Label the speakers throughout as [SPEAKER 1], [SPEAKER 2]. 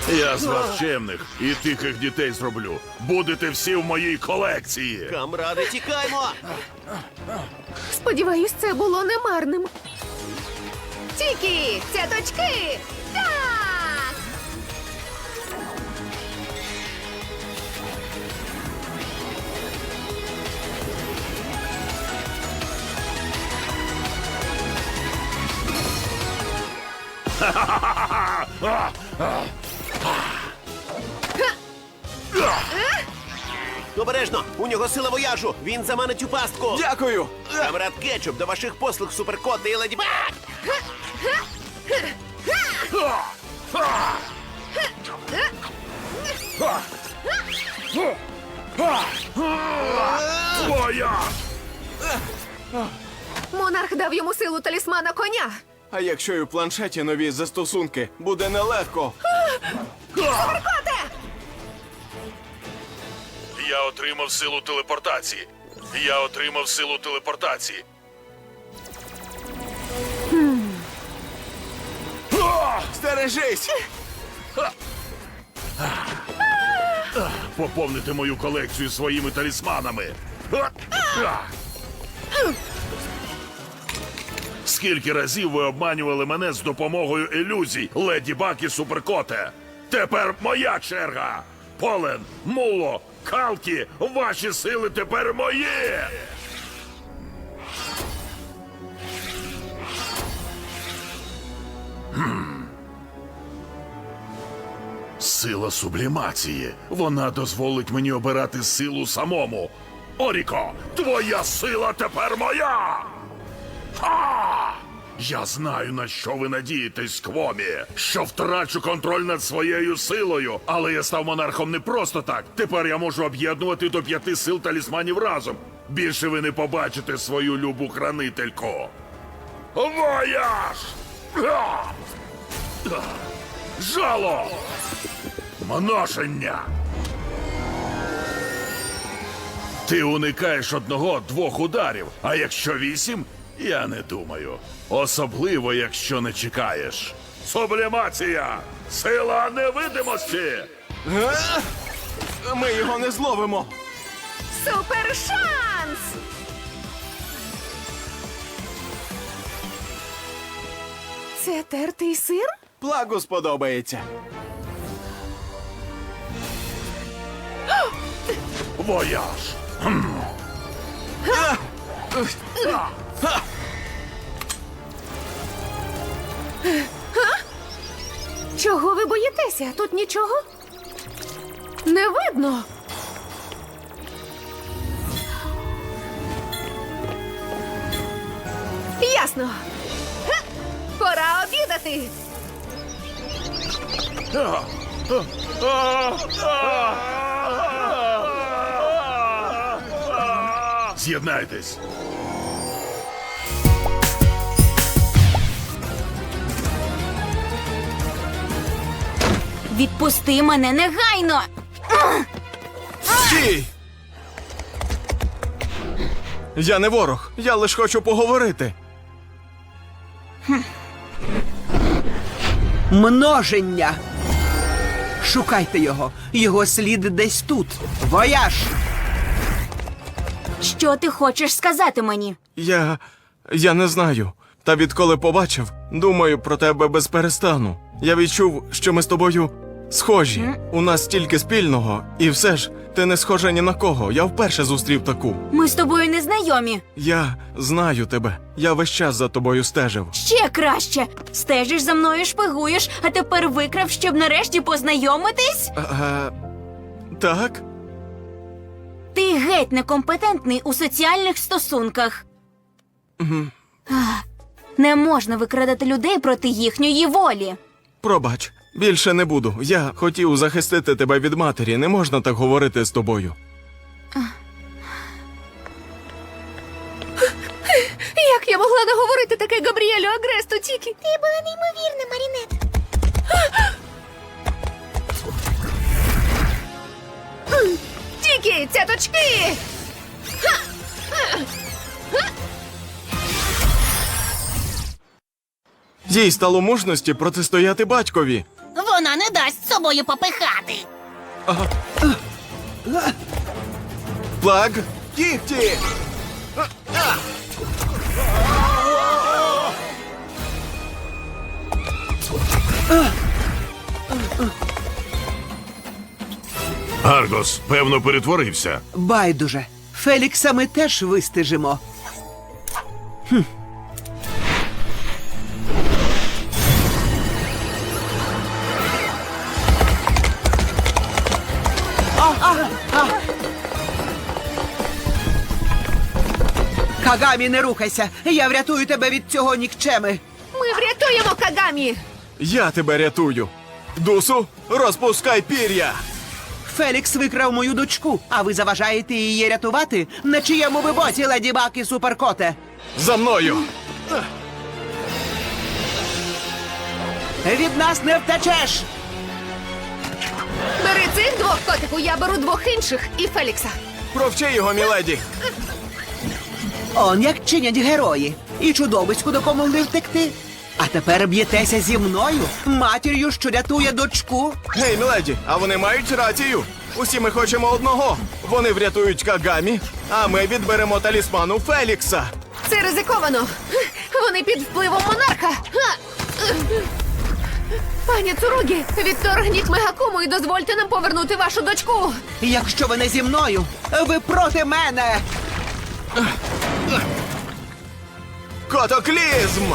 [SPEAKER 1] Я з вас чемних і тихих дітей зроблю. Будете всі в моїй колекції.
[SPEAKER 2] Камради, тікаймо!
[SPEAKER 3] Сподіваюсь, це було немарним. Тікі, цяточки! Так!
[SPEAKER 2] Обережно! У нього сила вояжу! Він заманить у пастку!
[SPEAKER 4] Дякую!
[SPEAKER 2] Камрад Кетчуп, до ваших послуг, Суперкот і Леді Баг!
[SPEAKER 1] Твоя!
[SPEAKER 3] Монарх дав йому силу талісмана коня.
[SPEAKER 4] А якщо і в планшеті нові застосунки, буде нелегко.
[SPEAKER 3] Коте!
[SPEAKER 1] Я отримав силу телепортації. Я отримав силу телепортації.
[SPEAKER 4] Стережись!
[SPEAKER 1] Поповнити мою колекцію своїми талісманами. Скільки разів ви обманювали мене з допомогою ілюзій, Леді Баг і Суперкоте? Тепер моя черга! Полен, Муло, Калкі, ваші сили тепер мої! Сила сублімації. Вона дозволить мені обирати силу самому. Оріко, твоя сила тепер моя! Ха! Я знаю, на що ви надієтесь, Квомі. Що втрачу контроль над своєю силою. Але я став монархом не просто так. Тепер я можу об'єднувати до 5 сил талісманів разом. Більше ви не побачите свою любу хранительку. Вояж! Га! Жало! Множення! Ти уникаєш 1-2 ударів, а якщо 8, я не думаю. Особливо, якщо не чекаєш. Сублімація! Сила невидимості!
[SPEAKER 4] Ми його не зловимо.
[SPEAKER 3] Супершанс! Це тертий сир?
[SPEAKER 4] Плагу сподобається.
[SPEAKER 1] Вояж!
[SPEAKER 3] Чого ви боїтеся? Тут нічого? Не видно. Ясно. Га! Пора обідати.
[SPEAKER 1] З'єднайтесь!
[SPEAKER 5] Відпусти мене негайно!
[SPEAKER 4] Стій! Я не ворог, я лиш хочу поговорити.
[SPEAKER 6] Множення. Шукайте його. Його слід десь тут. Вояж!
[SPEAKER 5] Що ти хочеш сказати мені?
[SPEAKER 4] Я не знаю. Та відколи побачив, думаю про тебе без перестану. Я відчув, що ми з тобою схожі. У нас стільки спільного, і все ж ти не схожа ні на кого. Я вперше зустрів таку.
[SPEAKER 5] Ми з тобою не знайомі.
[SPEAKER 4] Я знаю тебе. Я весь час за тобою стежив.
[SPEAKER 5] Ще краще. Стежиш за мною, шпигуєш, а тепер викрав, щоб нарешті познайомитись?
[SPEAKER 4] Так?
[SPEAKER 5] Ти геть некомпетентний у соціальних стосунках. Не можна викрадати людей проти їхньої волі.
[SPEAKER 4] Пробач. Більше не буду. Я хотів захистити тебе від матері. Не можна так говорити з тобою.
[SPEAKER 3] Як я могла наговорити таке Габріелю Агресту, Тікі? Ти була неймовірна, Марінет. Тікі, цяточки!
[SPEAKER 4] Їй стало мужності протистояти батькові.
[SPEAKER 7] Вона не дасть собою попихати.
[SPEAKER 4] Плаг, кіхті!
[SPEAKER 1] Аргос, певно, перетворився.
[SPEAKER 6] Байдуже. Фелікса ми теж вистежимо. Кагамі, не рухайся. Я врятую тебе від цього нікчеми.
[SPEAKER 3] Ми врятуємо Кагамі!
[SPEAKER 4] Я тебе рятую. Дусу, розпускай пір'я!
[SPEAKER 6] Фелікс викрав мою дочку, а ви заважаєте її рятувати? На чиєму ви боці, леді Баг і Суперкоте?
[SPEAKER 4] За мною!
[SPEAKER 6] Від нас не втечеш!
[SPEAKER 3] Бери цих двох, котику, я беру двох інших і Фелікса.
[SPEAKER 4] Провчи його, міледі!
[SPEAKER 6] Он як чинять герої. І чудовиську допомогли втекти. А тепер б'єтеся зі мною, матір'ю, що рятує дочку.
[SPEAKER 4] Гей, міледі, а вони мають рацію. Усі ми хочемо одного. Вони врятують Кагамі, а ми відберемо талісману Фелікса.
[SPEAKER 3] Це ризиковано. Вони під впливом монарха. Пані Цуругі, відторгніть Мегакуму і дозвольте нам повернути вашу дочку.
[SPEAKER 6] Якщо ви не зі мною, ви проти мене.
[SPEAKER 4] Котоклізм!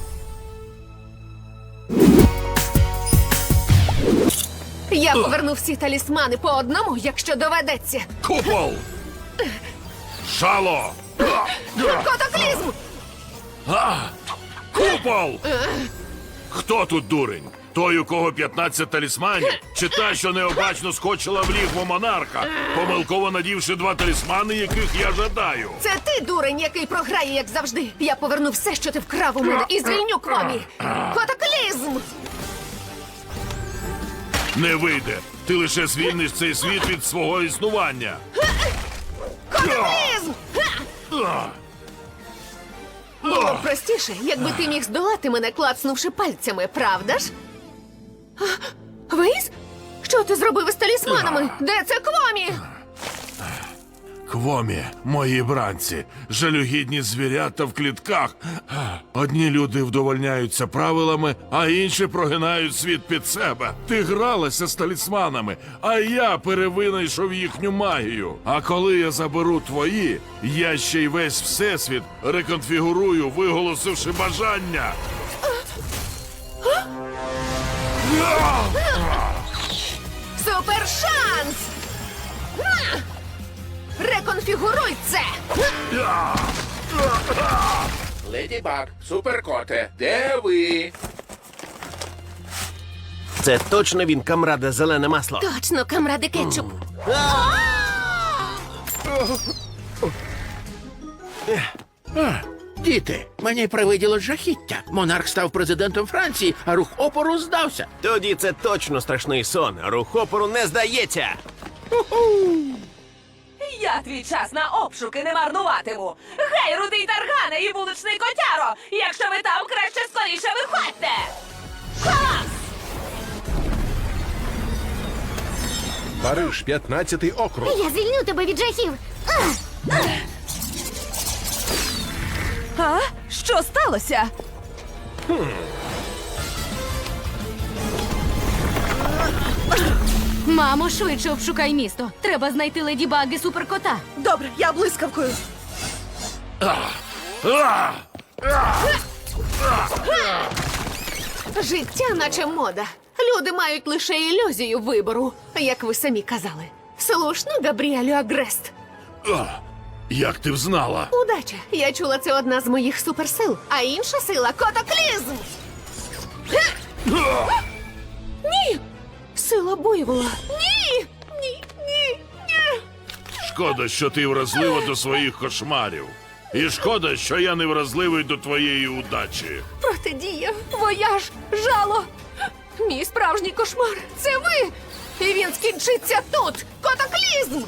[SPEAKER 3] Я поверну всі талісмани по одному, якщо доведеться.
[SPEAKER 1] Купол! Шало!
[SPEAKER 3] Котоклізм!
[SPEAKER 1] Купол! Хто тут дурень? Той, у кого 15 талісманів? Чи та, що необачно скочила в лігво монарха, помилково надівши 2 талісмани, яких я жадаю?
[SPEAKER 3] Це ти, дурень, який програє, як завжди. Я поверну все, що ти вкрав у мене, і звільню Квомі. Котоклізм!
[SPEAKER 1] Не вийде. Ти лише звільниш цей світ від свого існування.
[SPEAKER 3] Котоклізм! Було б простіше, якби ти міг здолати мене, клацнувши пальцями, правда ж? Вейс? Що ти зробив із талісманами? Де це Квомі?
[SPEAKER 1] Квомі, мої бранці, жалюгідні звірята в клітках. Одні люди вдовольняються правилами, а інші прогинають світ під себе. Ти гралася з талісманами, а я перевинайшов їхню магію. А коли я заберу твої, я ще й весь всесвіт реконфігурую, виголосивши бажання.
[SPEAKER 3] Супершанс! Реконфігуруй це!
[SPEAKER 8] Леді Баг, Суперкоте, де ви?
[SPEAKER 2] Це точно він, камраде зелене масло.
[SPEAKER 3] Точно, камради кетчуп.
[SPEAKER 8] Діти, мені привиділо жахіття. Монарх став президентом Франції, а рух опору здався.
[SPEAKER 2] Тоді це точно страшний сон. Рух опору не здається.
[SPEAKER 9] Я твій час на обшуки не марнуватиму. Гей, рудий таргане і вуличний котяро! Якщо ви там, краще скоріше виходьте!
[SPEAKER 10] Париж, 15-й округ.
[SPEAKER 7] Я звільню тебе від жахів.
[SPEAKER 9] А? Що сталося?
[SPEAKER 5] Мамо, швидше обшукай місто. Треба знайти леді Баг і Суперкота.
[SPEAKER 9] Добре, я блискавкою.
[SPEAKER 3] Життя наче мода. Люди мають лише ілюзію вибору, як ви самі казали. Слушно, Габріелю Агрест.
[SPEAKER 1] Як ти взнала?
[SPEAKER 3] Удача. Я чула, це одна з моїх суперсил, а інша сила — котоклізм. Ні! Сила буйвола. Ні! Ні, ні, ні.
[SPEAKER 1] Шкода, що ти вразлива до своїх кошмарів. І шкода, що я не вразливий до твоєї удачі.
[SPEAKER 3] Протидія, вояж, жало. Мій справжній кошмар — це ви! І він скінчиться тут! Котоклізм!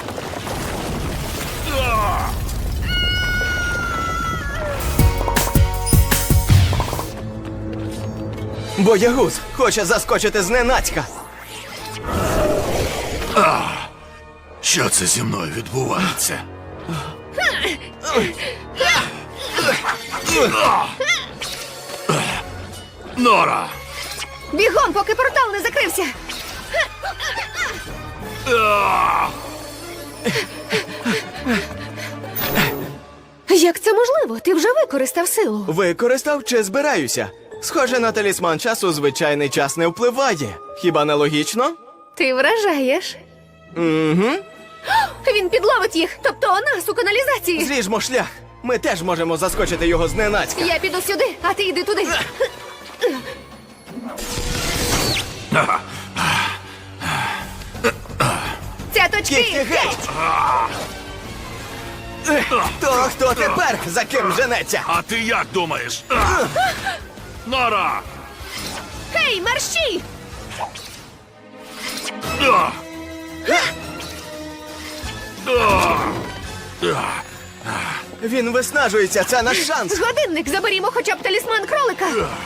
[SPEAKER 4] Боягуз хоче заскочити зненацька.
[SPEAKER 1] Що це зі мною відбувається? Нора!
[SPEAKER 3] Бігом, поки портал не закрився! Як це можливо? Ти вже використав силу.
[SPEAKER 4] Використав чи збираюся? Схоже, на талісман часу звичайний час не впливає. Хіба не логічно?
[SPEAKER 3] Ти вражаєш.
[SPEAKER 4] Угу.
[SPEAKER 3] Він підловить їх, тобто нас у каналізації.
[SPEAKER 4] Зріжмо шлях. Ми теж можемо заскочити його зненацька.
[SPEAKER 3] Я піду сюди, а ти йди туди. Цяточки!
[SPEAKER 4] Кіхті геть! То хто тепер за ким женеться?
[SPEAKER 1] А ти як думаєш? Нора!
[SPEAKER 3] Гей, марші!
[SPEAKER 4] Він виснажується, це наш шанс.
[SPEAKER 3] Годинник, заберімо хоча б талісман кролика.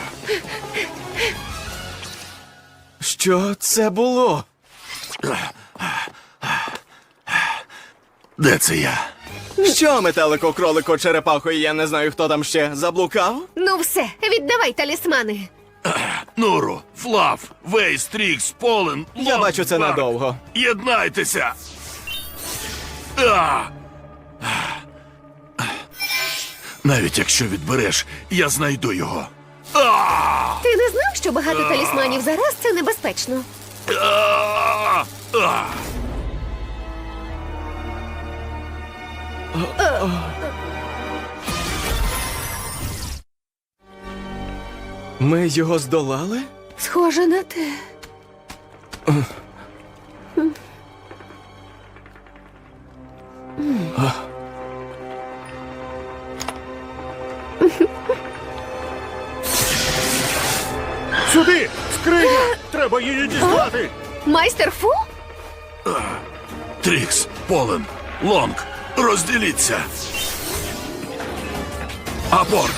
[SPEAKER 4] Що це було?
[SPEAKER 1] Де це я?
[SPEAKER 4] Що, метелико, кролико, черепахо, і я не знаю, хто там ще заблукав?
[SPEAKER 3] Ну все, віддавай талісмани.
[SPEAKER 1] Нуру, Флаф, Вейс, Трікс, Полен,
[SPEAKER 4] Я
[SPEAKER 1] Лон,
[SPEAKER 4] бачу, це
[SPEAKER 1] Барк.
[SPEAKER 4] надовго.
[SPEAKER 1] Єднайтеся! Навіть якщо відбереш, я знайду його.
[SPEAKER 3] Ти не знав, що багато талісманів зараз це небезпечно?
[SPEAKER 4] Ми його здолали?
[SPEAKER 3] Схоже на те.
[SPEAKER 10] Сюди! Скриня! Треба її дістати!
[SPEAKER 3] Майстер Фу?
[SPEAKER 1] Трікс, Полен, Лонг, розділіться. Апорт!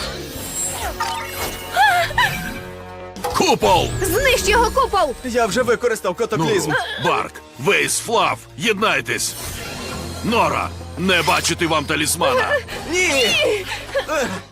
[SPEAKER 1] Купол!
[SPEAKER 3] Знищ його купол!
[SPEAKER 4] Я вже використав котоклізм.
[SPEAKER 1] Нуру, Барк, Вейс, Флаф, єднайтесь! Нора, не бачити вам талісмана!
[SPEAKER 4] Ні!